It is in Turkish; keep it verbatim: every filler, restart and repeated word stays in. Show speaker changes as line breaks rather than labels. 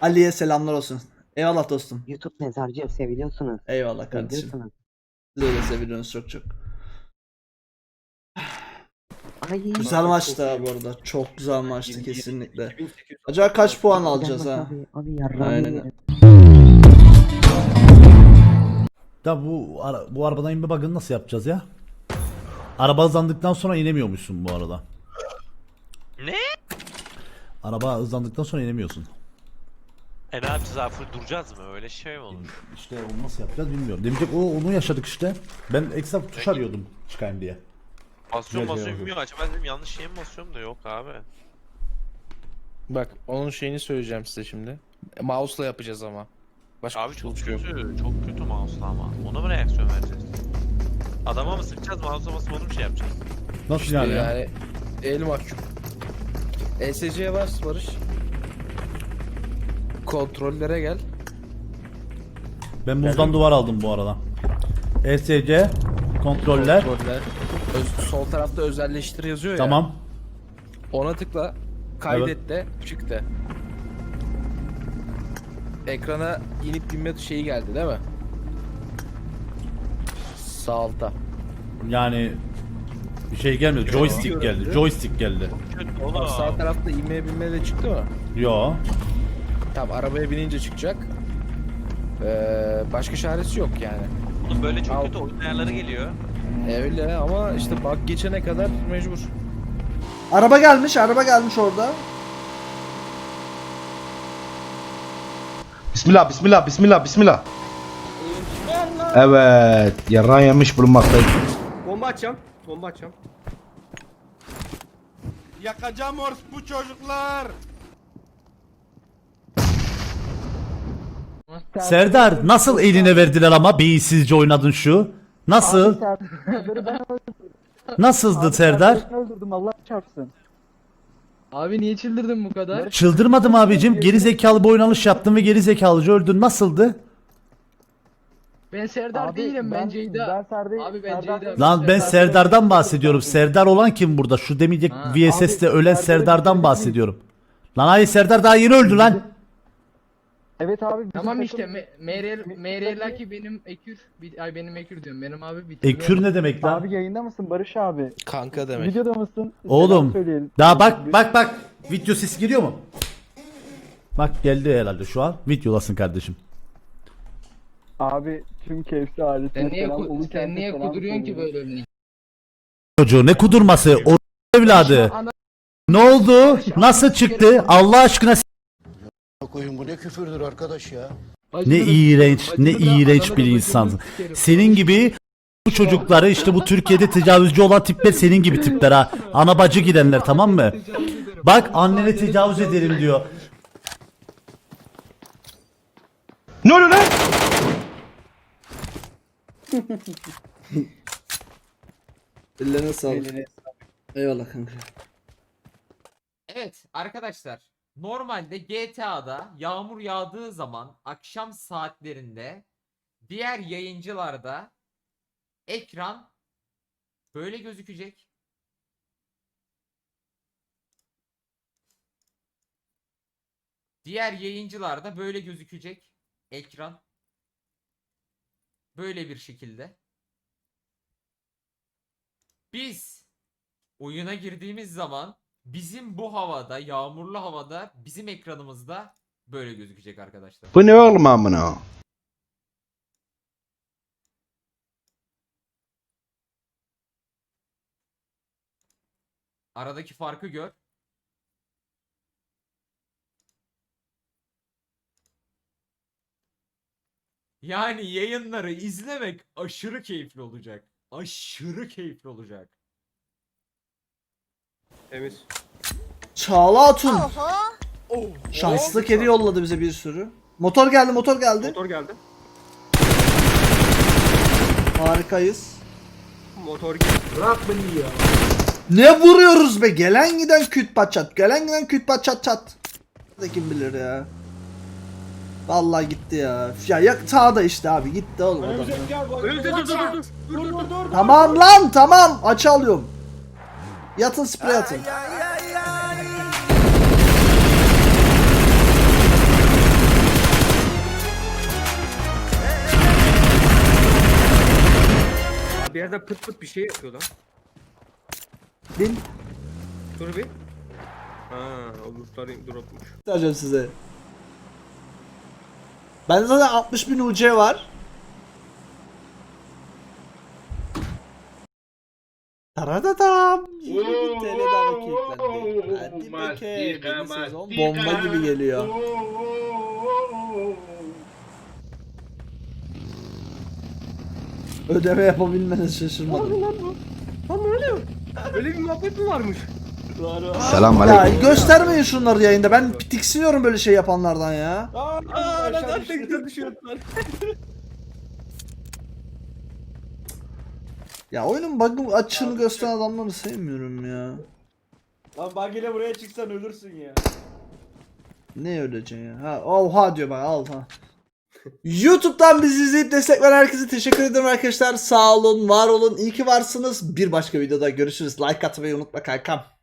Ali'ye selamlar olsun. Eyvallah dostum.
YouTube mezarcı seviliyorsunuz.
Eyvallah kardeşim.
Seviliyorsunuz.
Siz öyle seviyorsunuz çok çok.
Ay.
Güzel maçtı ha bu arada. Çok güzel maçtı kesinlikle. Acaba kaç puan alacağız ha?
Abi, abi yarrağımı
Aynen.
yerim.
Da bu ara, bu arabadan inme bug'ını nasıl yapacağız ya? Araba hızlandıktan sonra inemiyormuşsun bu arada.
Ne?
Araba hızlandıktan sonra inemiyorsun.
E ne yapacağız abi, full duracağız mı? Öyle şey mi olur?
İşte onu nasıl yapacağız bilmiyorum. Demeyecek o onu yaşadık işte. Ben ekstra tuş arıyordum çıkayım diye.
Basıyorum
Güzel şey
basıyorum
oldu.
bilmiyorum. Acaba dedim yanlış şeye mi basıyorum da yok abi.
Bak onun şeyini söyleyeceğim size şimdi. E, Mouse'la yapacağız ama. Başka
Abi çok
tuş yok.
kötü. Çok kötü mouse'la ama. Ona mı reaksiyon vereceğiz? Adama mı sıkacağız, mouse'a basıp onu bir şey yapacağız?
Nasıl
İşte
yani ya?
yani el mahkum. E S C'ye bas Barış. Kontrollere gel.
Ben buzdan duvar aldım bu arada. E S C kontroller.
Kontroller. Öz- sol tarafta özelleştir yazıyor ya.
Tamam.
Ona tıkla. Kaydet de çık de. Ekrana inip binme şeyi geldi değil mi? Sağ alta.
Yani bir şey gelmedi. Joystick geldi. Joystick geldi.
Kötü oğlum.
Bak, sağ tarafta inmeye binme de çıktı mı?
Yo.
Tamam, arabaya binince çıkacak. Ee, başka çaresi yok yani.
Oğlum böyle çok
Al.
kötü oyun ayarları geliyor.
E, öyle ama işte bak geçene kadar mecbur.
Araba gelmiş, araba gelmiş orada.
Bismillah, bismillah, bismillah, bismillah. Evet, yarrağı yemiş bulunmaktayım.
Bomba açacağım. Bomba açacağım.
Yakacağım bu çocuklar.
Serdar nasıl eline verdiler ama beyinsizce oynadın şu? Nasıl? Nasıldı Serdar?
Öldürdüm Allah çarpsın.
Abi niye çıldırdın bu kadar?
Çıldırmadım abicim. Geri zekalı bir oynanış yaptın ve geri zekalıca öldün. Nasıldı?
Ben Serdar değilim, ben Ceyda. Abi ben Ceyda.
Lan ben Serdar'dan bahsediyorum. Serdar olan kim burada? Şu demeyecek
Ha.
V S S'te ölen Serdar'dan bahsediyorum. Lan hayır, Serdar daha yeni öldü lan.
Evet abi. bizim
Tamam
takım-
işte Meryem Meryem ki benim Ekür bir- ay benim Ekür diyorum. Benim abi bir
Ekür ne demek lan?
Abi yayında mısın Barış abi?
Kanka demek.
Videoda mısın?
Oğlum.
Selam söyleyelim.
Daha bak bak bak. Video sesi giriyor mu? Bak geldi herhalde şu an. Videodasın kardeşim.
Abi tüm keyifli ailesine
Sen niye
selam.
ku-
Ulu
sen
kente
niye
selam
kuduruyorsun ki
söylüyorum.
böyle önüne?
Çocuğu ne kudurması? O evladı. Ne oldu? Nasıl çıktı? Allah aşkına s-
Koyun bu ne küfürdür arkadaş ya.
ne iğrenç, ne iğrenç bir insansın. Senin gibi bu çocukları işte bu Türkiye'de tecavüzcü olan tipler senin gibi tipler ha. Ana bacı gidenler, tamam mı? Bak annene tecavüz ederim diyor.
Ne oluyor lan?
Ellerine sağlık. Eyvallah kanka.
Evet arkadaşlar, normalde G T A'da yağmur yağdığı zaman akşam saatlerinde diğer yayıncılarda ekran böyle gözükecek. Diğer yayıncılarda böyle gözükecek ekran. Böyle bir şekilde. Biz oyuna girdiğimiz zaman bizim bu havada, yağmurlu havada bizim ekranımızda böyle gözükecek arkadaşlar.
Bu ne oğlum amına?
Aradaki farkı gör. Yani yayınları izlemek aşırı keyifli olacak. Aşırı keyifli olacak.
Temiz.
Çağla Atun. Şanslı kedi yolladı bize bir sürü. Motor geldi, motor geldi.
Motor geldi.
Harikayız.
Motor geldi.
Ne vuruyoruz be? Gelen giden küt pat çat. Gelen giden küt pat çat çat. Da kim bilir ya. Vallahi gitti ya. Ya ya sağda işte abi gitti oğlum adam.
Öldü dur dur dur dur. Dur dur dur.
Tamam lan tamam aç alıyorum. Yatın sprey atın.
yerde pıt pıt bir şey yapıyor lan.
Bin.
Dur bir. Ha, o lootları dropmuş.
Göstereceğim size. Bende zaten altmış bin U C var. Taradadam. yirmi bin T L daha bakiye yüklendi. Hadi bakayım. Yeni sezon bomba gibi geliyor. Ödeme yapabilmeniz şaşırmadım.
Lan ne oluyor? Böyle bir muhabbet mi varmış?
Selam
Ya
aleyküm.
göstermeyin şunları yayında. Ben tiksiniyorum böyle şey yapanlardan ya.
Aa, lan tekrar düşüyorlar.
Ya oyunun bug'ı açığını gösteren adamları sevmiyorum ya.
Lan bug ile buraya çıksan ölürsün ya.
Ne öleceksin ya? Ha, oha diyor bak al ha. YouTube'dan bizi izleyip destek veren herkese teşekkür ederim arkadaşlar. Sağ olun, var olun, iyi ki varsınız. Bir başka videoda görüşürüz. Like atmayı unutma kankam.